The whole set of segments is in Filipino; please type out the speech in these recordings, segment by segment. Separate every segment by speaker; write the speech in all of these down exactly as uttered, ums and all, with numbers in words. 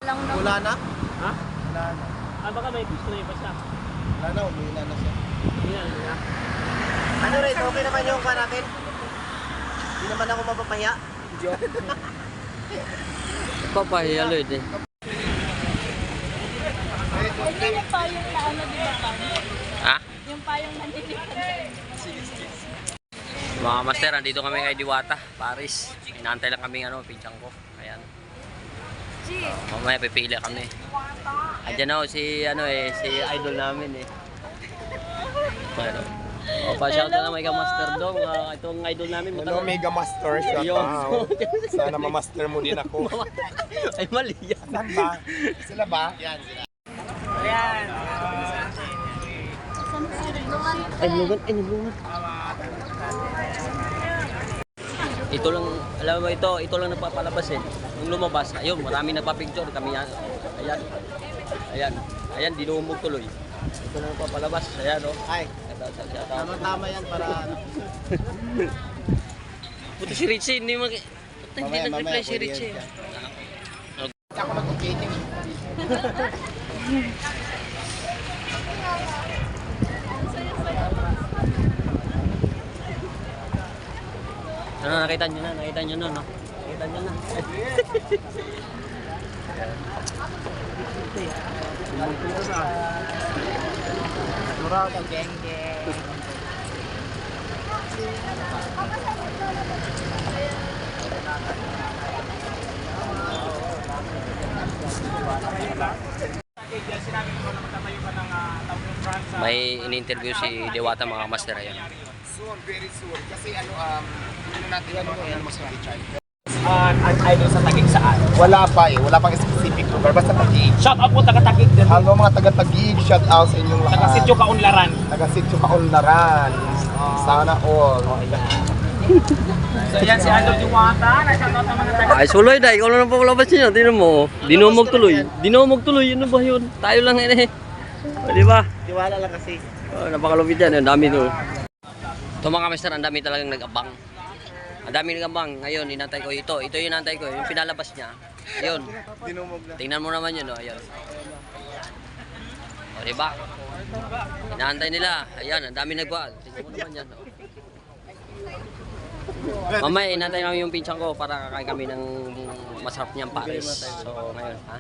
Speaker 1: Wala na?
Speaker 2: Ha?
Speaker 1: Wala na.
Speaker 2: Ah, baka may gusto na iba siya.
Speaker 1: Wala na, umila na siya.
Speaker 2: Hindi na, hindi na.
Speaker 1: Ano rin, okay naman yung ka natin? Hindi naman ako mapapahiya. Joke.
Speaker 3: Papahiya, Lloyd eh.
Speaker 4: Hindi yung payong na ano, di ba pa?
Speaker 3: Ha?
Speaker 4: Yung payong nanilipan.
Speaker 3: Mga master, andito kami kay Diwata, Paris. Inaantay lang kami ano, pinchang ko. Ayan. Uh, mamaya pipili kami. Andiyan ako si ano eh, si idol namin eh. Pero, oh, pa-shout na lang Mega Master Dong. Uh, itong idol namin.
Speaker 1: Hello, Mega Master. Shout out. Sana ma-master mo din ako.
Speaker 3: Ay, mali yan.
Speaker 1: Saan ba? Sila ba? Yan, sila.
Speaker 2: Ayan.
Speaker 3: Ay, nilungan, ay, nilungan. Ito lang, alam mo ito, ito lang nagpapalabas eh. Nung lumabas, ayun, marami nagpa-picture kami yan. Ayan, ayan, ayan, dinumog tuloy. Ito lang nagpapalabas, ayan o. Oh.
Speaker 1: Ay, tama-tama yan para ano.
Speaker 3: Puto si Richie, hindi mag... Puto, hindi
Speaker 1: Mamaya,
Speaker 3: nag-reply
Speaker 1: mamaya,
Speaker 3: si Richie.
Speaker 1: ako nag-updating.
Speaker 3: Ano, nakita nyo na, nakita nyo na, no? Nakita nyo na.
Speaker 1: Natural, geng-geng.
Speaker 3: May in-interview si Diwata mga master ayan.
Speaker 1: Soon, very soon. Kasi ano, um, ano natin ano mo yan, mas ma-recharge.
Speaker 2: Uh, ang idol sa Taguig saan?
Speaker 1: Wala pa eh, wala pang specific lugar, basta Taguig.
Speaker 2: Shout out po taga Taguig din.
Speaker 1: Hello mga taga-Taguig, shout out sa inyong lahat.
Speaker 2: Taga Sitio Kaunlaran.
Speaker 1: Taga-Sitio Kaunlaran. Sana all.
Speaker 2: So yan si Idol Diwata. Na-shout out ng mga taga.
Speaker 3: Ay, suloy na, ikaw lang ang pakulabas niya. Tingnan mo, dinumog tuloy. Dinumog tuloy, ano ba yun? Tayo lang yun eh. O, di ba?
Speaker 1: Tiwala lang kasi.
Speaker 3: Oh, napakalupit yan, ang dami to. Ito mga mister, ang dami talagang nag-abang. Ang dami nag-abang. Ngayon, inantay ko ito. Ito yung inantay ko, yung pinalabas niya. Ayun.
Speaker 1: Dinumog na.
Speaker 3: Tingnan mo naman yun, oh. Ayun. O, diba? Inaantay nila. Ayan, ang dami nagba. Tingnan mo naman yan, oh. Mamaya, inantay namin yung pinchang ko para kakain kami ng masarap niyang Paris. So, ngayon, ha?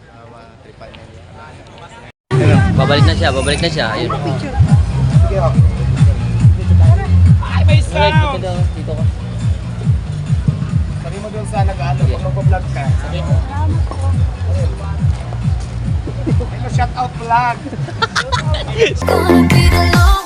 Speaker 3: Babalik na siya, babalik na siya. Ayun.
Speaker 1: Sige oh.
Speaker 2: Ay, may sound!
Speaker 3: Dito, dito ka.
Speaker 1: Sabi mo doon sa nag-ano, kung mag-vlog ka. Sabi mo. Hello, shout out vlog.
Speaker 5: Gonna be the long